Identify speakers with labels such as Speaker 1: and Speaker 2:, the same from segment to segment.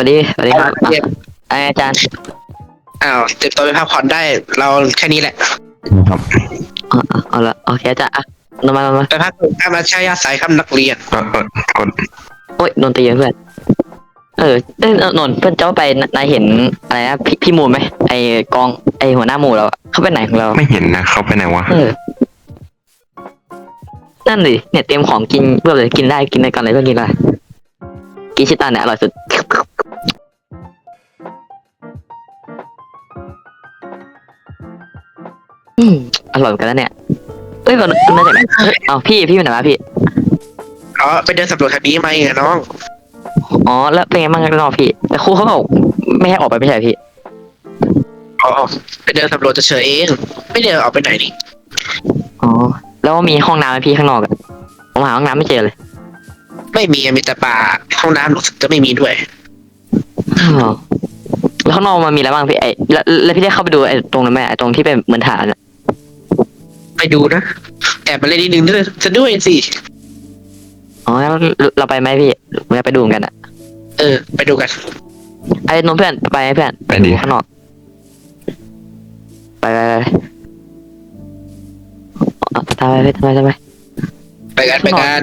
Speaker 1: สวัสดีครับ
Speaker 2: เจ็บ
Speaker 1: อาจารย์
Speaker 2: อ้าวเจ็บตัวไปพักผ่อนได้เราแค่นี้แหละ
Speaker 3: ครับ
Speaker 1: เอาละโอเคอาจารย์มา
Speaker 2: ไปพักถ้ามาใช้อาศัยคำนักเรียน
Speaker 3: กด
Speaker 1: โอ้ยโดนตีเพื่อนนนท์เพื่อนเจ้าไปนายเห็นอะไรนะพี่มูลไหมไอกองไอหัวหน้าหมู่เราเขาไปไหนของเรา
Speaker 3: ไม่เห็นนะเขาไปไหนวะ
Speaker 1: นั่นดิเนี่ยเตรียมของกินเพื่อเลยกินได้ก่อนเลยเพื่อนกินอะไรกินชิตันเนี่ยอร่อยสุดอืมอร่อยเหมือนกันแล้วเนี่ยก่อนมาจากไหนเอาพี่ไปไหนมาพี่
Speaker 2: อ๋อไปเดินสำรวจทางนี้ไหมน้อง
Speaker 1: อ๋อแล้วเป็นไงบ้างกันน้องพี่แต่ครูเขาบอกไม่ให้ออกไปไม่ใช่พี่
Speaker 2: อ๋อไปเดินสำรวจเฉยๆเองไม่เดินออกไปไหนนี่
Speaker 1: อ๋อแล้วมีห้องน้ำไหมพี่ข้างนอกอะผมหาห้องน้ำไม่เจอเลย
Speaker 2: ไม่มีแต่ป่าห้องน้ำรู้สึกจะไม่มีด้วย
Speaker 1: อ๋อแล้วข้างนอกมันมีอะไรบ้างพี่แล้วพี่ได้เข้าไปดูไอ้ตรงนั้นไหมไอ้ตรงที่เป็นเหมือนฐานอะ
Speaker 2: ไปดูนะแอบมาเล่นนิดนึงด้วยจะด้วยสิ
Speaker 1: อ๋อแล้วเราไปไหมพี่ผมจะไปดูเหมือนกันอะ
Speaker 2: ไปดูกัน
Speaker 1: ไอ้นนท์เพื่อนไปไหมเพื่อน
Speaker 3: ไปดิ
Speaker 1: ข้างนอกไปทำไม
Speaker 2: ไปกัน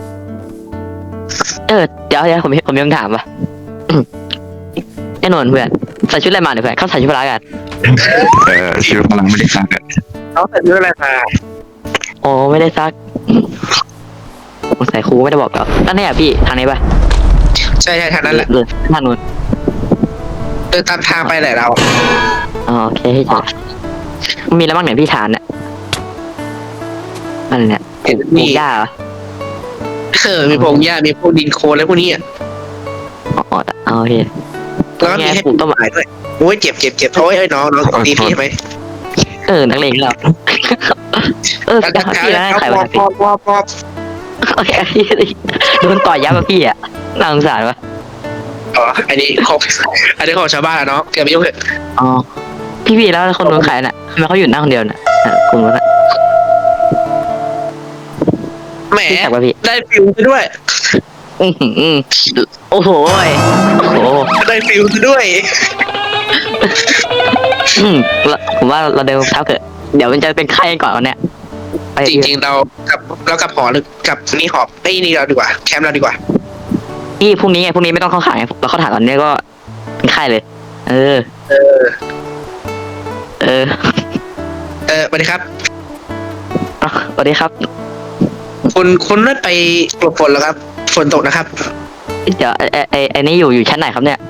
Speaker 1: เดี๋ยวผมมีคำถามว่ะไอ้นนท์เพื่อนใส่ชุดอะไรมาเนี่ยเพื่อนเขาใส่ชุดพละกัน
Speaker 3: ชีวิตกำลังไม่ได้สร้างกัน
Speaker 2: เขาใส่ชุดอะไรมา
Speaker 1: โอ้ไม่ได้ซักใส่ครูไม่ได้บอกเราตั้งแต่พี่ทางนี้ป่ะ
Speaker 2: ใช่ทางนั้นแหละ
Speaker 1: ทางนู้น
Speaker 2: เดินตามทางไปแหละเรา
Speaker 1: อ๋อโอเคให้จบมีอะไรบ้างเนี่ยพี่ฐานเนี่ยอะไรเนี่ยปลูกหญ้าเหรอ
Speaker 2: มีพงหญ้ามีพวกดินโคลนอะไรพวกนี้
Speaker 1: อ๋อโอเค
Speaker 2: แล้วก็มีให้ปลูกต้นไม้ด้วยโอ้ยเจ็บโอ้ยน้องตีพี่ไหม
Speaker 1: นักเลงเราพี่แล้วใครวะ
Speaker 2: พอ
Speaker 1: โอเคพี่โดนต่อยยับป่ะพี่อ่ะน่าสงสารวะ
Speaker 2: อ๋ออันนี้ของชาวบ้านเนาะเกี่ยวไม่ยุ่งเลย
Speaker 1: อ๋อพี่แล้วคนโดนขายน่ะทำไมเขาอยู่หน้าคนเดียวน่ะคุณรู้นะ
Speaker 2: แหมได้ฟิวด้วย
Speaker 1: โอ้โห
Speaker 2: ได้ฟิวด้วย
Speaker 1: ผมว่าเราเดินเท้าเถอะเดี๋ยวมันจะเป็นไข้ก่อนวันเนี้ย
Speaker 2: จริงๆเรากับหอหรือกับนี่หอบไอ้นี่เราดีกว่าแคมป์เราดีกว่า
Speaker 1: พี่พรุ่งนี้ไม่ต้องเข้าขายเราเข้าถ่ายตอนนี้ก็เป็นไข้เลย
Speaker 2: สวัสดีครับ
Speaker 1: สวัสดีครับ
Speaker 2: คุณไม่ไปกลบฝนหรอครับฝนตกนะครับ
Speaker 1: เดี๋ยวไอ้นี่อยู่ชั้นไหนครับเนี่ย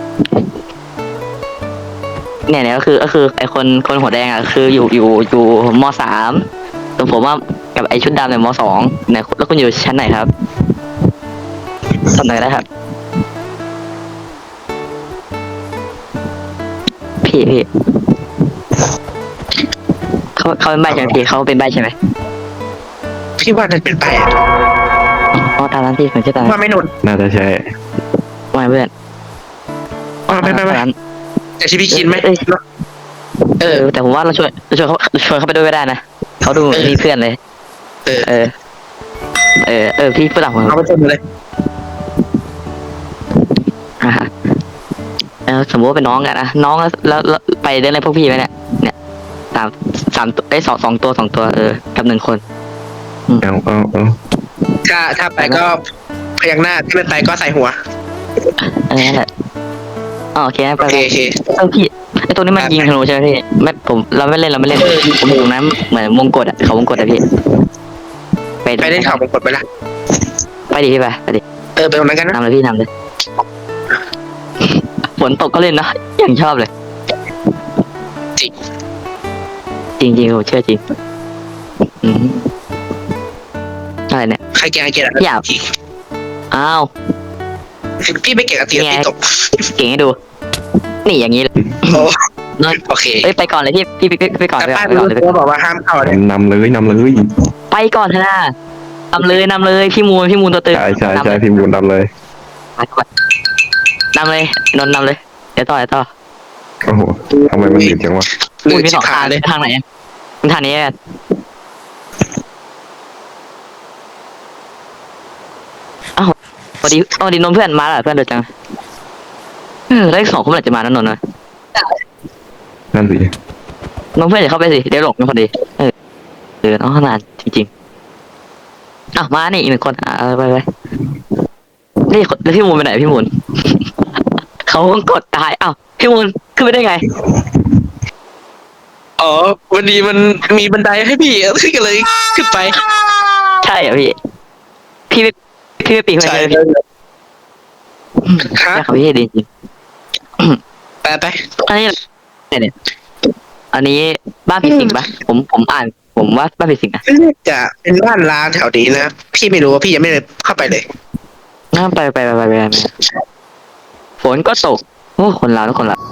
Speaker 1: ก็คือไอ้คนหัวแดงอ่ะคืออยู่ม.3ส่วนผมว่ากับไอ้ชุดดำเนี่ยม.2เนี่ยแล้วคุณอยู่ชั้นไหนครับตำแหน่งได้ครับพี่เขาเป็นใบใช่ไหมพี่เขาเป็นใบใช่ไหม
Speaker 2: พี่ว่านั่นเป็นใบ
Speaker 1: อ๋อตามนั้นพี่ผมชื่อตาม
Speaker 2: ว่าไม่หนุน
Speaker 3: น่าจะใช่
Speaker 1: ไม่เพื่อน
Speaker 2: ไม่แต่ชีพี่คิดไหม
Speaker 1: แต่ผมว่าเราชวนเขาไปด้วยก็ได้นะเขาดูมีเพื่อนเลยพี่ฝรั่ง
Speaker 2: เอาไปชนเลย
Speaker 1: สมมติว่าเป็นน้องกันนะน้องแล้วไปได้เลยพวกพี่ไหมเนี่ย3ตัว2ตัวกับ1คน
Speaker 2: ถ้าไปก็พยักหน้าถ้าไม่ไปก็ใส่หัว
Speaker 1: นั่นแหละโอเคไปพี่ไอตัวนี้มันยิงธนูใช่ไหมพี่ไม่ผมเราไม่เล่นผมอยู่นั้นเหมือนวงกดเขาวงกดอะพี่
Speaker 2: ไปเล่นเขาวงกดไปละ
Speaker 1: ไปดิพี่ไปดิ
Speaker 2: ไปตรงนั้นกันนะ
Speaker 1: ทำเลยพี่ทำเลยฝนตกก็เล่นนะอย่างชอบเลยจริงผมเชื่อจริงอะไรเนี่ย
Speaker 2: ใครเก่งอะไร
Speaker 1: อยากอ้าว
Speaker 2: พี่ไม่เก่งตีตก
Speaker 1: เก่งให้ดูนี่อย่างนี้เลย
Speaker 2: โอเค
Speaker 1: ไปก่อนเลยพี่ไปก่อน
Speaker 2: เลยเขาบอกว่าห้ามเข้าเลย
Speaker 3: นำเลย
Speaker 1: ไปก่อนเถอะนะนำเลยพี่มูลตัวตึง
Speaker 3: ใช่พี่มูลนำเลย
Speaker 1: นำเลยนนท์นำเลยเดี๋ยวต่อ
Speaker 3: โอ้โหทำไมมันหนีบจังวะ
Speaker 1: มี2 ทางเลยทางไหนทางนี้พอดีนนท์เพื่อนมาแล้วเพื่อนเดือดจังแล้วอีกสองคนเมื่อไหร่จะมานั่นนนท์นะ
Speaker 3: นั่นสิ
Speaker 1: น้องเพื่อนอย่าเข้าไปสิเดี๋ยวหลงกันพอดีน้องขนาดจริงๆอ้าวมานี่อีกหนึ่งคนไปนี่แล้วพี่มูลไปไหนพี่มูล เขากดตายอ้าวพี่มูลขึ้นไปได้ไง
Speaker 2: อ๋อวันนี้มันมีบันไดให้พี่ขึ้นกันเลยขึ้นไป
Speaker 1: ใช่เหรอพี่ไม่ปีนขึ้นไป
Speaker 2: ใช่
Speaker 1: เลยพี่
Speaker 2: ฮะ
Speaker 1: ใช่ครับพี่ดีจริง
Speaker 2: ไป
Speaker 1: อันนี้เนี่ยอันนี้บ้านผีสิงปะผมอ่านผมว่าบ้านผีสิงนะ
Speaker 2: จะเป็นบ้านร้างแถวนี้นะพี่ไม่รู้ว่าพี่ยังไม่ได้เข้าไปเลย
Speaker 1: งั้นไปฝนก็ตกโอ้คนลาวทุกคนละ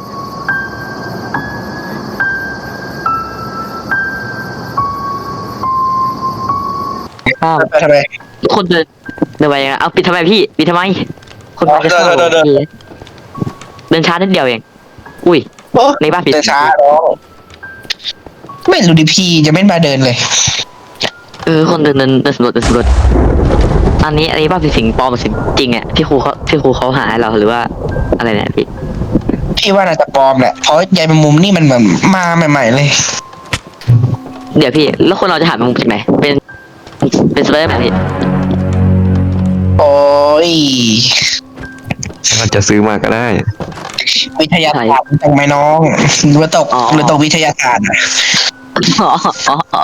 Speaker 1: อ้าว
Speaker 2: ทำไม
Speaker 1: ทุกคนเดินไปยังไงเอาปิดทำไมพี่ปิดทำไม คนมาจะเข้า
Speaker 2: เดิน
Speaker 1: เดินช้านิดเดียวเองอุ้ยในบ้านผี
Speaker 2: เดิ
Speaker 1: สิ
Speaker 2: น
Speaker 1: ง
Speaker 2: ช้าเนาะไม่รู้ดิพี่จะไม่มาเดินเลย
Speaker 1: คนเดินสำรวจอันนี้บ้านผีสิงปลอมหรือสิงจริงอ่ะที่ครูเขาหาให้เราหรือว่าอะไรเนี่ยพี่
Speaker 2: พี่ว่าน่าจะปลอมแหละเพราะยายแมงมุมนี่มันแบบมาใหม่ๆเลย
Speaker 1: เดี๋ยวพี่แล้วคนเราจะหาแมงมุมจากไหนเป็นสไปเดอร์แมนพี่
Speaker 2: โอ้ย
Speaker 3: เราจะซื้อมาก็ได้
Speaker 2: วิทยาศาสตร์จังไหมน้องหรือตกวิทยาศาสตร์อะ
Speaker 1: อ๋อ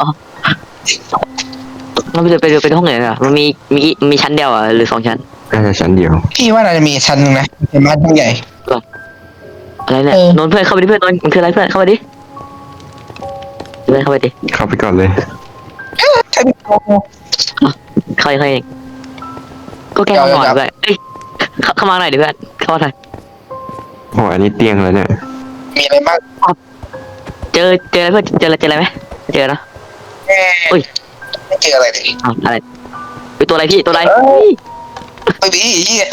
Speaker 1: เราไปดูห้องไหนอ่ะมันมีชั้นเดียวอ่ะหรือสองชั้น
Speaker 3: น่าจะชั้นเดียว
Speaker 2: พี่ว่าน่าจะมีชั้นหนึงนะเป็นบ้านทั้งใหญ่
Speaker 1: อะไรเนี่ยนนท์เพื่อนเข้าไปดิเพื่อนนนท์มันคืออะไรเพื่อนเข้าไปดิเพื่อนเข้าไปดิ
Speaker 3: เข้าไปก่อนเลย
Speaker 2: ใช่ไหม
Speaker 1: เข้าเองก็แก้ห้องนอนเพื่อนเอ้ยเข้ามาหน่อยดิเพื่อนเข้ามาหน่อย
Speaker 3: โอ้อันนี้เตียงแล้วเนี่ย
Speaker 2: มีอะไรบ้าง
Speaker 1: เจออะไรเพื่อนเจออะไรไหมเจอนะ อุ้ย
Speaker 2: ไม่เจออะไรเลย
Speaker 1: อ้าวอะไรเป็นตัวอะไรพี่ตัวอะไร
Speaker 2: ไม่มีเหี้ย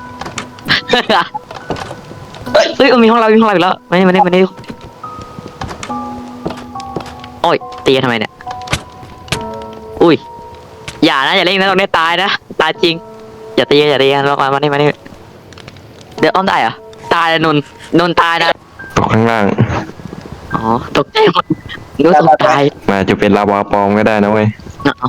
Speaker 1: เฮ้ยมีห้องเราอีกแล้วมานี่โอ้ยตีกันทำไมเนี่ยอุ้ยอย่าเล่นนะตรงนี้ตายนะตายจริงอย่าตีกันลงมานี่เดี๋ยวอ้อมได้เหรอตายเลยนนตายนะ
Speaker 3: ตกข้างล่าง
Speaker 1: อ๋อตกใจหมดนึกว่าตกตาย
Speaker 3: มาจะเป็นลาวาปลอมก็ได้นะเว้ย
Speaker 1: เอา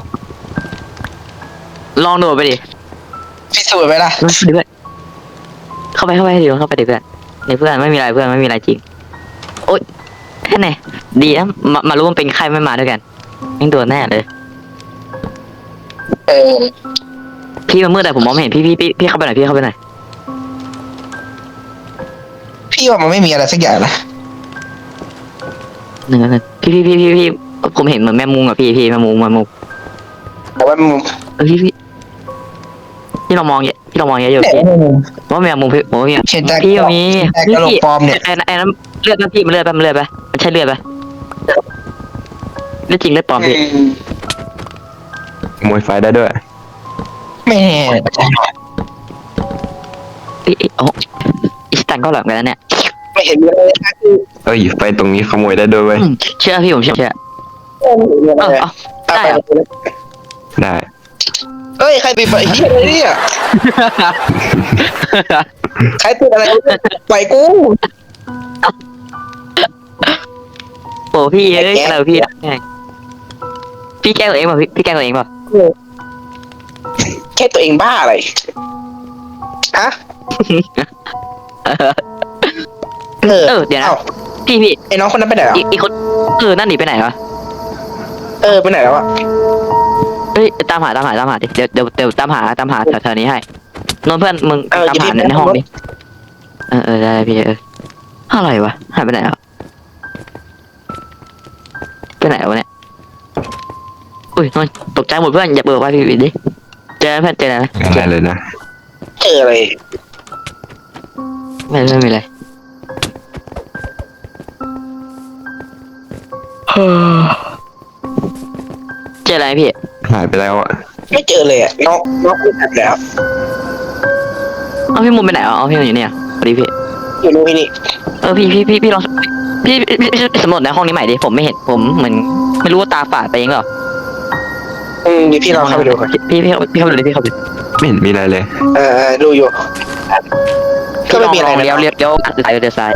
Speaker 1: ลองโดดไปดิ
Speaker 2: พิสูจน์ไหมล่ะ
Speaker 1: ลองไปดิเพื่อนเข้าไปดิเพื่อนในเพื่อนไม่มีอะไรจริงโอ๊ยแค่ไหนดีนะมารู้มันเป็นใครไม่มาด้วยกันยังโดนแน่เลย
Speaker 2: เออ
Speaker 1: พี่มันมืดแต่ผมมองไม่เห็นพี่เข้าไปหน่อยพี่เข้าไปหน่อย
Speaker 2: พี่ว่ามันไม่มีอะไรสักอย่างนะ
Speaker 1: หนึ่งพี่ผมเห็นเหมือนแมงมุมอ่ะพี่แมงมุม
Speaker 2: แต่ว่ามุม
Speaker 1: พี่เรามองเยอะอยู่
Speaker 2: เนี่ย
Speaker 1: พี่ว่าแมงมุมพี่ผมว่ามี
Speaker 2: เห็นแต่
Speaker 1: พี่มี
Speaker 2: แต่กระโหลกปลอมเนี่ย
Speaker 1: ไอ้นั้นเลือดพี่มันเลือดมันใช่เลือดปะเลือดจริงเลือดปลอมพี่
Speaker 3: ขโมยไฟได้ด้วย
Speaker 2: ไม่แน่
Speaker 1: โอ้อีสตันก็หลังกันแล้วเนี่ย
Speaker 2: ไม่เห็นมีอะไรนะคือ
Speaker 3: เอ้ยไฟตรงนี้ขโมยได้ด้วยเว้ย
Speaker 1: เชื่อพี่ผมเชื่อ
Speaker 2: ไม่เห็นมีอะไรเลย
Speaker 1: ได้เหรอ
Speaker 3: ได้
Speaker 2: เฮ้ยใครปิดไฟเหี้ยอะไรเนี่ยใครปิดอะไรปล่อยกู
Speaker 1: โอ้พี่อะไรพี่พี่แกล้งตัวเองป่ะพี่แกล้งตัวเองป่ะ
Speaker 2: แค่ตัวเองบ้าอะไรฮะ
Speaker 1: เดี๋ยวนะ
Speaker 2: อ้า
Speaker 1: พี่
Speaker 2: ไอ้น้องคนนั้นไปไหนอ่ะ
Speaker 1: อีกคนนั่นหนีไปไหนวะ
Speaker 2: ไปไหนแล้วอ่ะ
Speaker 1: เฮ้ยตามหาดิเดี๋ยวตามหาแถวนี้ให้นนเพื่อนมึงตามหาในห้องดิได้พี่อะไรวะหายไปไหนอ่ะไปไหนวะเนี่ยอุ้ยนนตกใจหมดเพื่อนอย่าเปิดไว้พี่ดิเจอเพื่อนเจออะไรไหม
Speaker 3: ได้เลยนะ
Speaker 2: เจออะไร
Speaker 1: ไม่มีอะไรเจออะไรพี่
Speaker 3: หายไปแล้วอ่ะ
Speaker 2: ไม่เจอเลยอ่ะน้องไม่ทันแล้ว
Speaker 1: เอาพี่มุมไปไหนเอาพี่มุมอยู่เนี่ยสวัสดีพี่
Speaker 2: อยู่นู่นนี่
Speaker 1: พี่ลองพี่สำรวจในห้องนี้ใหม่ดิผมไม่เห็นผมเหมือนไม่รู้ว่าตาฝาดไปเองเหรอ
Speaker 2: เดี๋ยวพี่ลองเข้าไปดูก่อน
Speaker 1: พี่เข้าไปดูดิพี่เข้าไป
Speaker 3: ไม่เห็นมีอะไรเลย
Speaker 2: ดูอยู่ ก็ไม่มีอะไร
Speaker 1: ลง
Speaker 2: นะ
Speaker 1: เลี้ยวซ้ายเลี้ยวซ้าย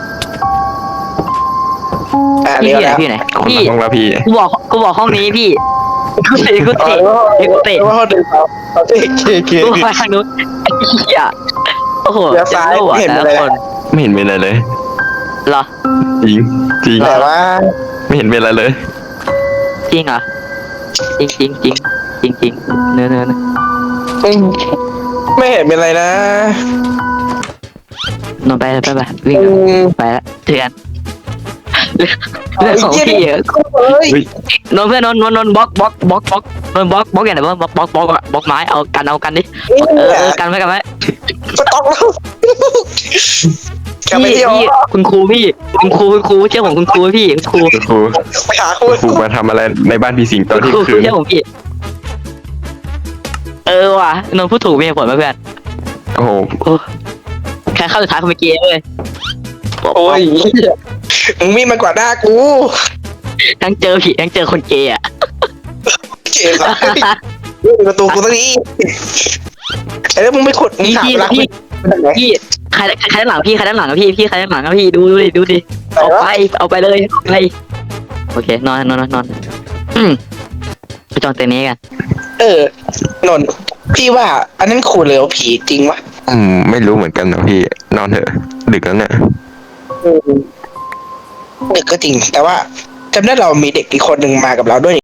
Speaker 2: เลี้ยวแล้ว
Speaker 1: พี่ไหน
Speaker 3: คน
Speaker 1: พี่
Speaker 3: ละห้องละพี่
Speaker 1: กูบอกห้องนี้พี่กูเตะกูเตะกูเตะ
Speaker 2: ว่าเขาเดินเขาเค
Speaker 1: กูไปทางนู้นไอ้เหี้ยโอ้โห
Speaker 2: เลี้ยวซ้าย
Speaker 1: เห็น
Speaker 2: เห็น
Speaker 1: แต่
Speaker 2: เลย
Speaker 1: ละคน
Speaker 3: ไม่เห็นมีอะไรเลย
Speaker 1: เหรอ
Speaker 3: จริงจริง
Speaker 2: แต่ว่า
Speaker 3: ไม่เห็นมีอะไรเลย
Speaker 1: จริงเหรอจริงเนื้อ
Speaker 2: ไม่เห็นเป็นไรนะ
Speaker 1: นอนไปวิ่งไปแล้วเจอกันเรื่องของพี่อะ
Speaker 2: เฮ้ย
Speaker 3: เฮ้ย
Speaker 1: นอนเพื่อนนอนบล็อกอย่างไรบล็อกไม้เอากันดิกันไว้
Speaker 2: สต็อกแล้วกลับไปที่
Speaker 1: พี่คุณครูเชื่อผมคุณครูพี่คุณครู
Speaker 3: ครู
Speaker 2: ไปหาคุ
Speaker 3: ครูมาทำอะไรในบ้านพี่สิงตอนที่
Speaker 1: ครู
Speaker 3: คืน
Speaker 1: เชื่อผมพี่ว่ะนนพูดถูกมีเหตุผลไหมเพื่อน
Speaker 3: โอ้โห
Speaker 1: ใครเข้าสุดท้ายคนเมื่อกี้เว้ย
Speaker 2: โอ้ยมึงมีมันกว่าหน้ากู
Speaker 1: ทั้งเจอผีทั้งเจอคนเกย์อ่ะ
Speaker 2: เจ็บอ่ะประตูกูตรงนี้แล้วมึงไม่ขุดมึงถามรัก
Speaker 1: พี่ใครด้านหลังพี่ใครด้านหลังพี่ใครด้านหลังพี่ดูดิเอาไปเลยไปโอเคนอนไปจองเต็นท์นี้กัน
Speaker 2: นนพี่ว่า อันนั้นขู่เหลวผีจริงวะ
Speaker 3: ไม่รู้เหมือนกันนะพี่นอนเถอะดึกแล้วเนี่ย
Speaker 2: ดึกก็จริง แต่ว่าจำได้เรามีเด็กอีกคนหนึ่งมากับเราด้วย